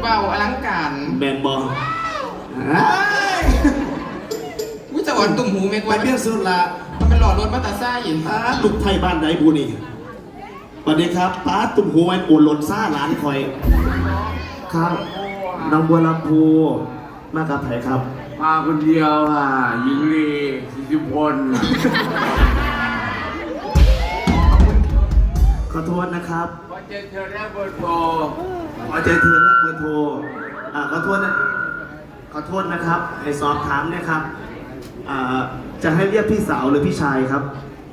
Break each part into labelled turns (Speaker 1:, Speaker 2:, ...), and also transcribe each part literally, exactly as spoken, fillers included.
Speaker 1: ว้าวอลังการ
Speaker 2: แมนบอล
Speaker 1: วิจารณ์ตุ่มหูเมก
Speaker 2: ไป
Speaker 1: ว่า
Speaker 2: เพี้ยนสุดละ
Speaker 1: มันเป็นหลอดรถมาตาซ่าอิน
Speaker 2: ลูกไทยบ้านไหนบูนี่สวัสดีครับป้าตุ่มหูไอ้โอนหล่นซ่าร้านคอยครับน้องบัวลำพูมากับไผ่ครับ
Speaker 3: มาคนเดียวค่ะหญิงลีสิริพล
Speaker 2: ขอโทษนะครับ
Speaker 3: ขอเจอเธอและเบอร์โทร
Speaker 2: ขอเจอเธอและเบอร์โทรอ่าขอโทษนะขอโทษนะครับให้สอบถามนะครับอ่าจะให้เรียกพี่สาวหรือพี่ชายครับ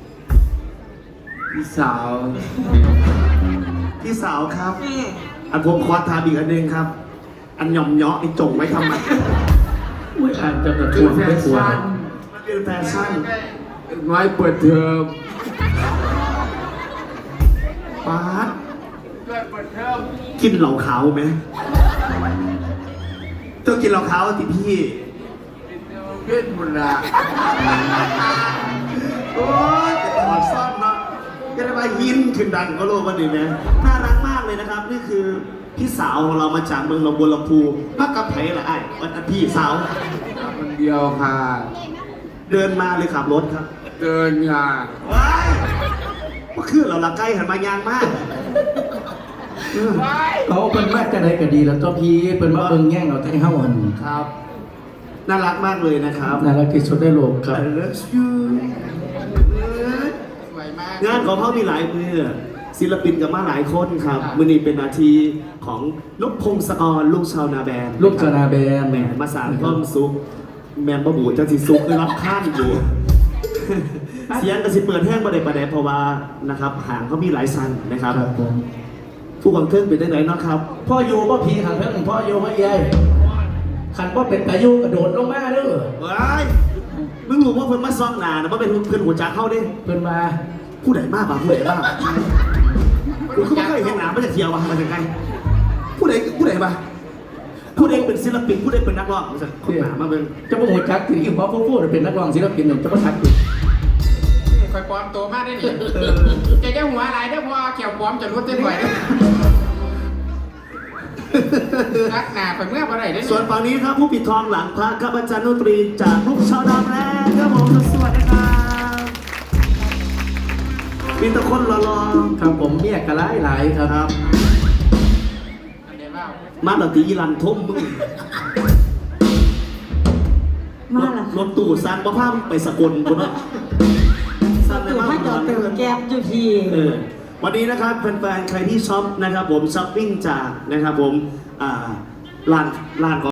Speaker 3: พี่สาว
Speaker 2: พี่สาวครับอันผมขอถามอีกอันหนึ่งครับอันหย่อมเยาะไอ้จงไว้ทำไม
Speaker 4: อุ้ยอ่านจะกระทวงไม่ควร
Speaker 2: มันเป็นแฟชั่น
Speaker 3: น้อยเปิดเทอม
Speaker 2: ป๊าด
Speaker 3: ด้วยเปิดเทอม
Speaker 2: กินเหล่าขาวไหมต้องกินเหล่าขาวสิพี่
Speaker 3: เพื่อนหมดละ
Speaker 2: โอ้ยแต่ถอดซ่อนเนาะจะได้มายินขึ้นดังก็โลกวันนี้ไหมน่ารักมากเลยนะครับนี่คือพี่สาวของเรามาจากเมืองหนองบัวลำพูมากับไผ่ละไอ้วันพี่สาว
Speaker 3: คนเดียวค่ะ
Speaker 2: เดินมาเลยขับรถครับ
Speaker 3: เดินค่ะ
Speaker 2: ว้ายก็คือเราละใกล้หันมายางมาก
Speaker 4: เขาเป็นมากจะได้ก็ดีแล้วตัวพี่เป็นมาเอิงแย่งเราทั้งห้าวัน
Speaker 2: ครับน่ารักมากเลยนะครับ
Speaker 4: น่ารักที่สุดในโลกครับ
Speaker 2: I love you
Speaker 1: สวยมาก
Speaker 2: งานของเขามีหลายมือศิลปินกับมาหลายคนครับมือนี้เป็นนาทีของนพพงศกรลูกชาวนาแบน
Speaker 4: ลูกชาวนาแบน
Speaker 2: แมนมาสานก้อมซุกแมนบะบูจะสิซุกคือรับข้ามอยู่เสียงกระสิเปิดแห้งประเดี๋ยวประเดี๋ยวเพราะว่านะครับห่างเขามีหลายซันนะครับผู้กองเทิงเป็นได้ไหนเนาะครับ
Speaker 4: พ่อโยพ่อพีขันเพิ่งพ่อโยพ่อใหญ่ขันพ่อเป็นพายุกระโดดลงมาเด้อ
Speaker 2: เฮ้ยมึงรู้ว่าเพิ่นมาซ่องหนานะว่าเป็นเพิ่นหัวจักเข้าดิ
Speaker 4: เพิ่นมา
Speaker 2: ผู้ใดมากป่ะผู้ใดมากกูก็ไม่เคยเห็นหนาไม่จะเที่ยวว่ะมาจากไงผู้ใดผู้ใดป่ะผู้ใดเป็นศิลปินผู้ใดเป็นนักร้องมาจากคนหนามาเป็น
Speaker 4: จะมาหัวจักถึงยิ่งเพราะผู้พูดเป็นนักร้องศิลปินเนี่ยจะมาทักอยู่
Speaker 1: คอยปลอมตัวมากได้หนิแกแค่หัวอะไรได้พอเขียวปลอมจะรู้เต้นไหวรักหนาไปเมื่อวันไหนได้
Speaker 2: ส่วนฝั่งนี้ครับผู้ปิดทองหลังพระครับอาจารย์ดนตรีจากลูกชาวดำแรงครับผมสวัสดีครับมีตะคนรอ
Speaker 4: ๆครับผมเมียกระไรหลายครับ
Speaker 2: มาดนตรีลันทุ่มมึง
Speaker 5: มาละ
Speaker 2: รถตู้สร้างบ้าพังไปสกลคนละ
Speaker 5: สร้างในบ้านจอดเติมแก๊บอยู่ที่
Speaker 2: วันนี้นะครับแฟนๆใครที่ช็อปนะครับผมช้อปปิ้งจากนะครับผมอ่าร้านร้าน